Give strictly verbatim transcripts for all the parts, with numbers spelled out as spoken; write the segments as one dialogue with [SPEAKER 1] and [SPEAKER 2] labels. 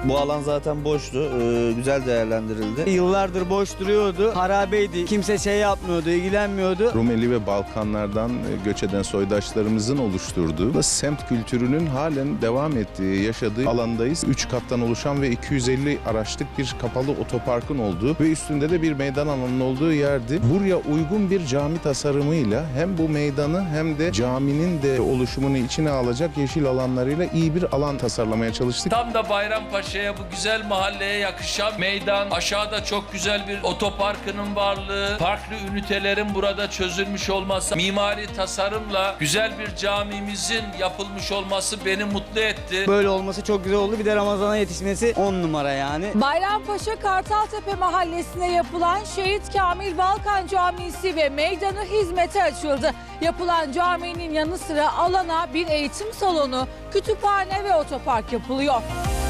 [SPEAKER 1] Bu alan zaten boştu. Ee, güzel değerlendirildi.
[SPEAKER 2] Yıllardır boş duruyordu. Harabeydi. Kimse şey yapmıyordu, ilgilenmiyordu.
[SPEAKER 3] Rumeli ve Balkanlardan göç eden soydaşlarımızın oluşturduğu semt kültürünün halen devam ettiği, yaşadığı alandayız. üç kattan oluşan ve iki yüz elli araçlık bir kapalı otoparkın olduğu ve üstünde de bir meydan alanının olduğu yerdi. Buraya uygun bir cami tasarımıyla hem bu meydanı hem de caminin de oluşumunu içine alacak yeşil alanlarıyla iyi bir alan tasarlamaya çalıştık.
[SPEAKER 4] Tam da Bayrampaşa'ya, bu güzel mahalleye yakışan meydan, aşağıda çok güzel bir otoparkının varlığı, farklı ünitelerin burada çözülmüş olması, mimari tasarımla güzel bir camimizin yapılmış olması beni mutlu etti.
[SPEAKER 2] Böyle olması çok güzel oldu. Bir de Ramazan'a yetişmesi on numara yani.
[SPEAKER 5] Bayrampaşa Kartaltepe mahallesine yapılan Şehit Kamil Balkan Camisi ve meydanı hizmete açıldı. Yapılan caminin yanı sıra alana bir eğitim salonu, kütüphane ve otopark yapılıyor.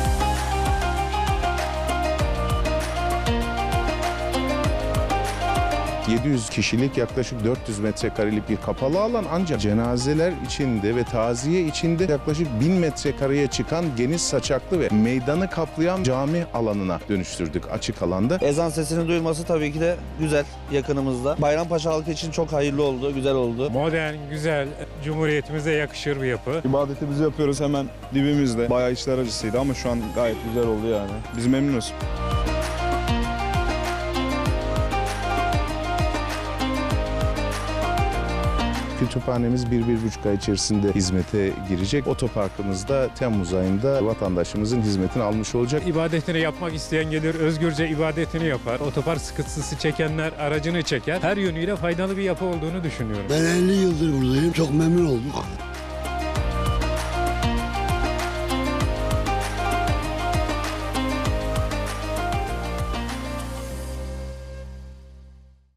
[SPEAKER 3] yedi yüz kişilik yaklaşık dört yüz metrekarelik bir kapalı alan, ancak cenazeler içinde ve taziye içinde yaklaşık bin metrekareye çıkan geniş saçaklı ve meydanı kaplayan cami alanına dönüştürdük açık alanda.
[SPEAKER 1] Ezan sesini duyulması tabii ki de güzel yakınımızda. Bayrampaşa halkı için çok hayırlı oldu, güzel oldu.
[SPEAKER 6] Modern, güzel, Cumhuriyetimize yakışır bir yapı.
[SPEAKER 7] İbadetimizi yapıyoruz hemen dibimizde. Bayağı içler acısıydı ama şu an gayet güzel oldu yani. Biz memnunuz.
[SPEAKER 3] Kütüphanemiz bir, bir buçuk ay içerisinde hizmete girecek. Otoparkımız da Temmuz ayında vatandaşımızın hizmetini almış olacak.
[SPEAKER 6] İbadetini yapmak isteyen gelir, özgürce ibadetini yapar. Otopark sıkıntısı çekenler aracını çeker. Her yönüyle faydalı bir yapı olduğunu düşünüyorum.
[SPEAKER 8] Ben elli yıldır buradayım. Çok memnun olduk.